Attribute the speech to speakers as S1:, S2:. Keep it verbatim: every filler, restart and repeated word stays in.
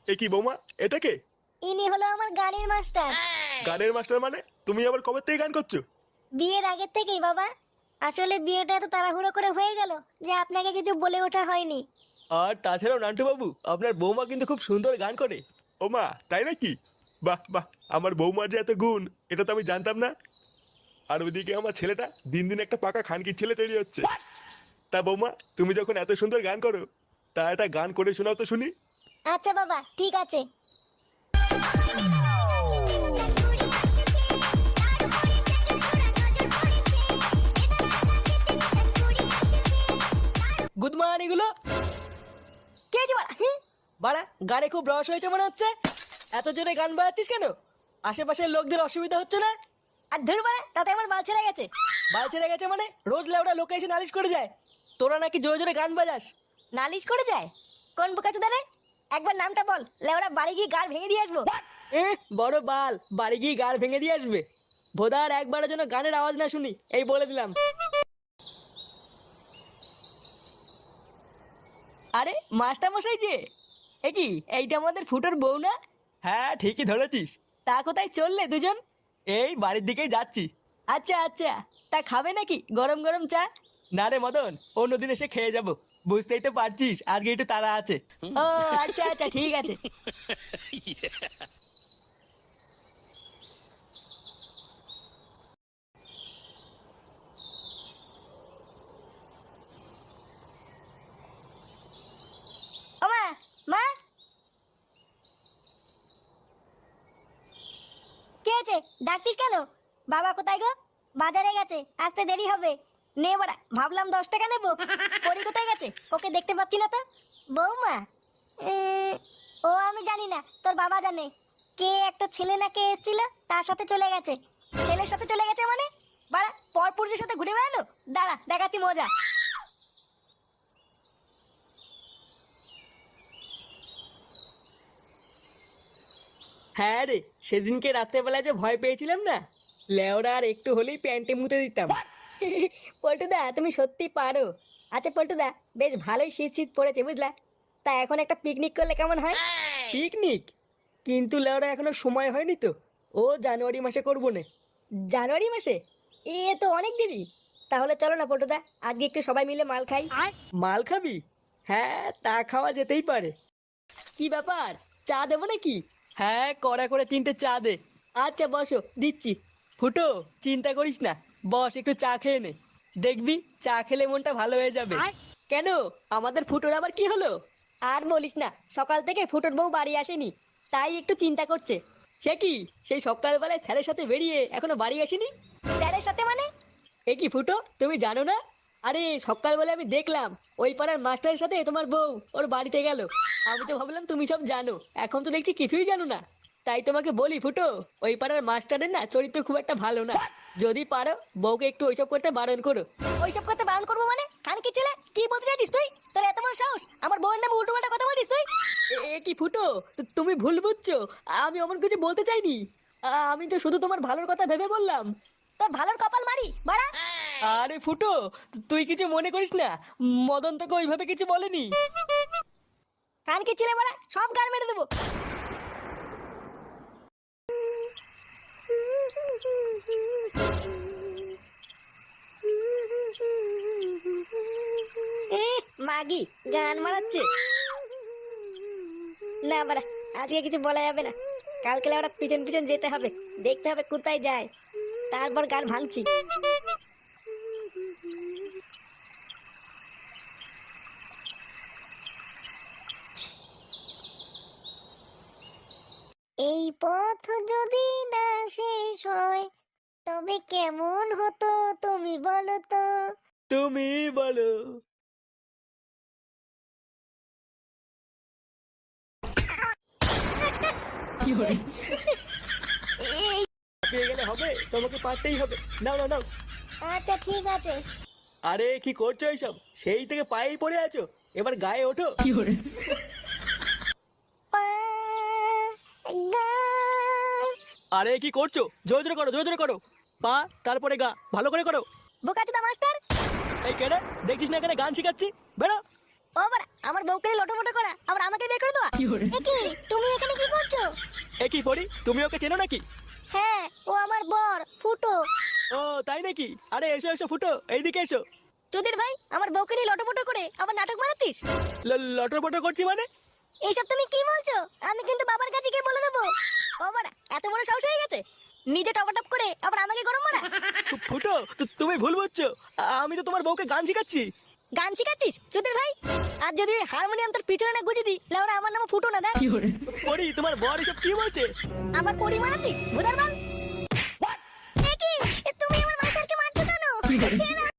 S1: এ কি বৌমা, এটা কে?
S2: ইনি হলো আমার গানের মাস্টার।
S1: গানের মাস্টার মানে? তুমি আবার কবে থেকে গান করছো?
S2: বিয়ের আগের থেকেই বাবা। আসলে বিয়েটা এত তাড়াহুড়ো করে হয়ে গেল যে আপনাকে কিছু বলে ওঠা হয়নি।
S3: আর তাছাড়াও নান্টু বাবু, আপনার বৌমা কিন্তু খুব সুন্দর গান করে।
S1: ও মা, তাই নাকি? বাহ বাহ, আমার বৌমার যে এত গুণ, এটা তো আমি জানতাম না। আর ওইদিকে আমার ছেলেটা দিন দিন একটা পাকা খানকির ছেলে তৈরি হচ্ছে। তা বৌমা, তুমি যখন এত সুন্দর গান করো, তা একটা গান করে শোনাও তো শুনি।
S2: আচ্ছা বাবা, ঠিক আছে।
S3: গুড মর্নিং এগুলো।
S2: কে আছে বাড়া? হুঁ?
S3: বাড়া, গানে খুব রস হয়েছে মনে হচ্ছে। এত জোরে গান বাজাচ্ছিস কেন? আশেপাশের লোকদের অসুবিধা হচ্ছে না?
S2: আর ধরু বাড়া, তাতে আমার বাল ছেড়ে গেছে।
S3: বাল ছেড়ে গেছে মানে? রোজ লেওড়া লোকে এসে নালিশ করে যায় তোরা নাকি জোরে জোরে গান বাজাস।
S2: নালিশ করে যায়? কোন বোকাচোদা রে? একবার নামটা বল, লেওড়া বাড়ি গিয়ে গাড় ভেঙে দিয়ে আসবো।
S3: এ বড় বাল, বাড়ি গিয়ে গাড় ভেঙে দিয়ে আসবে। ভোদার একবারের জন্য গানের আওয়াজ না শুনি, এই বলে দিলাম। আরে মাস্টার মশাই যে, এ কি এইটা আমাদের ফুটোর বউ না? হ্যাঁ ঠিকই ধরেছিস। তা কোথায় চললে দুজন? এই বাড়ির দিকেই যাচ্ছি। আচ্ছা আচ্ছা, তা খাবে নাকি গরম গরম চা? না রে মদন, অন্যদিন এসে খেয়ে যাব। বুঝতেই তো পারছিস আজকে একটু তাড়া আছে। ও আচ্ছা আচ্ছা, ঠিক আছে।
S2: ও মা, মা, কে আছে? ডাকতিস কেন? বাবা কোথায় গো? বাজারে গেছে, আসতে দেরি হবে। নে বাড়া, ভাবলাম দশ টাকা নেবো। পরি কোথায় গেছে? ওকে দেখতে পাচ্ছি না তো। বৌমা? উম, ও আমি জানি না, তোর বাবা জানে। কে একটা ছেলে না কে এসেছিল, তার সাথে চলে গেছে। ছেলের সাথে চলে গেছে মানে? বাড়া, পরপুরুষের সাথে ঘুরে বেড়ালো। দাঁড়া, দেখাচ্ছি মজা।
S3: হ্যাঁ রে, সেদিনকে রাত্রেবেলা যে ভয় পেয়েছিলাম না, লেওরা আর একটু হলেই প্যান্টে মুতে দিতাম।
S2: পল্টুদা, তুমি সত্যি পারো। আচ্ছা পল্টুদা, বেশ ভালোই শীত শীত পড়েছে বুঝলা। তা এখন একটা পিকনিক করলে কেমন হয়?
S3: পিকনিক? কিন্তু লেওরা এখনো সময় হয়নি তো। ও জানুয়ারি মাসে করবো না।
S2: জানুয়ারি মাসে? এ তো অনেক দেরি। তাহলে চলো না পল্টুদা, আজকে একটু সবাই মিলে মাল খাই।
S3: মাল খাবি? হ্যাঁ তা খাওয়া যেতেই পারে। কি ব্যাপার, চা দেবো নাকি? হ্যাঁ কড়া করে তিনটে চা দে। আচ্ছা বসো, দিচ্ছি। ফুটো, চিন্তা করিস না, বস একটু চা খেয়ে নে। দেখবি চা খেলে মনটা ভালো হয়ে যাবে। কেন, আমাদের ফুটোর আবার কি হলো?
S2: আর বলিস না, সকাল থেকে ফুটোর বউ বাড়ি আসেনি, তাই একটু চিন্তা করছে।
S3: সে কি, সেই সকালবেলায় স্যারের সাথে বেরিয়ে এখনো বাড়ি আসেনি?
S2: স্যারের সাথে মানে?
S3: এ কি ফুটো, তুমি জানো না? আরে সকালবেলা আমি দেখলাম ওই পাড়ার মাস্টারের সাথে তোমার বউ ওর বাড়িতে গেল। আমি তো ভাবলাম তুমি সব জানো, এখন তো দেখছি কিছুই জানো না। তাই তোমাকে বলি ফুটো, ওই পাড়ার মাস্টারের না চরিত্র খুব একটা ভালো না। যদি পারো বউকে একটু ওইসব করতে বারণ করো।
S2: ওইসব করতে বারণ করবো মানে? খান কি ছেলে, কি বলতে চাইছিস তুই? তোর এত বড় সাহস, আমার বউয়ের নামে উল্টো পাল্টা কথা বলিস তুই?
S3: এ- এ কি ফুটো, তু- তুমি ভুল বুঝছো। আমি অমন কিছু বলতে চাইনি। আ- আমি তো শুধু তোমার ভালোর কথা ভেবে বললাম।
S2: তোর ভালোর কপাল মারি বাড়া।
S3: আরে ফুটো, তু- তুই কিছু মনে করিস না, মদন তোকে ওইভাবে কিছু বলেনি।
S2: খান কি ছেলে বাড়া, সব গান মেরে দেবো। এ, মাগি গান মারাচ্ছে। না বাড়া, আজকে কিছু বলা যাবে না। কালকে ওরা পিছন পিছন যেতে হবে, দেখতে হবে কোথায় যায়, তারপর গান ভাঙছি। এই পথ যদি না শেষ হয়, তবে কেমন হতো তুমি বলো তো?
S3: তুমি বলো। পেয়ে গেলে হবে, তোমাকে পারতেই হবে। নাও নাও নাও।
S2: আচ্ছা ঠিক আছে।
S3: আরে কি করছো এইসব, সেই থেকে পায়েই পড়ে আছো, এবার গায়ে ওঠো।
S2: পা, গা।
S3: আরে কি করছো, জোরে জোরে করো, জোরে জোরে করো। পা, তারপরে গা, ভালো করে করো।
S2: বোকাচোদা মাস্টার।
S3: এই কেডা, দেখছিস না এখানে গান শেখাচ্ছি, বেরো।
S2: ও বাড়া, আমার বউকে লোটো মোটো করা, আবার আমাকে বের করে দেওয়া। এ কি, তুমি
S3: এ কি পড়ি, তুমি ওকে চেনো নাকি?
S2: হ্যাঁ, ও আমার বর ফুটো।
S3: ও তাই নাকি? আরে এসো এসো ফুটো, এইদিকে এসো।
S2: চুদির ভাই, আমার বউকে নিয়ে লটোপটো করে আমার নাটক মারাচ্ছিস।
S3: ল- লটর পটর করছি মানে?
S2: এইসব তুমি কি বলছো? আমি কিন্তু বাবার কাছে গিয়ে বলে দেবো। ও বাড়া, এত বড় সাহস হয়ে গেছে? নিজে টপাটপ করে আবার আমাকে গরম মারা।
S3: ফু- ফুটো, তু- তুমি ভুল বুঝছো। আ- আমি তো তোমার বউকে গান শিখাচ্ছি।
S2: গান শিখাচ্ছিস চুদির ভাই? আর যদি হারমোনিয়াম তোর পিছনে না গুজে দিই, লেওরা আমার নাম ফুটো না। দেখ
S3: পড়ি, তোমার বর এসব কি বলছে?
S2: আমার পরি মারাচ্ছিস ভুদার বাল। এ কি? তুমি আমার মাস্টারকে মারছো কেন? ছেড়ে দাও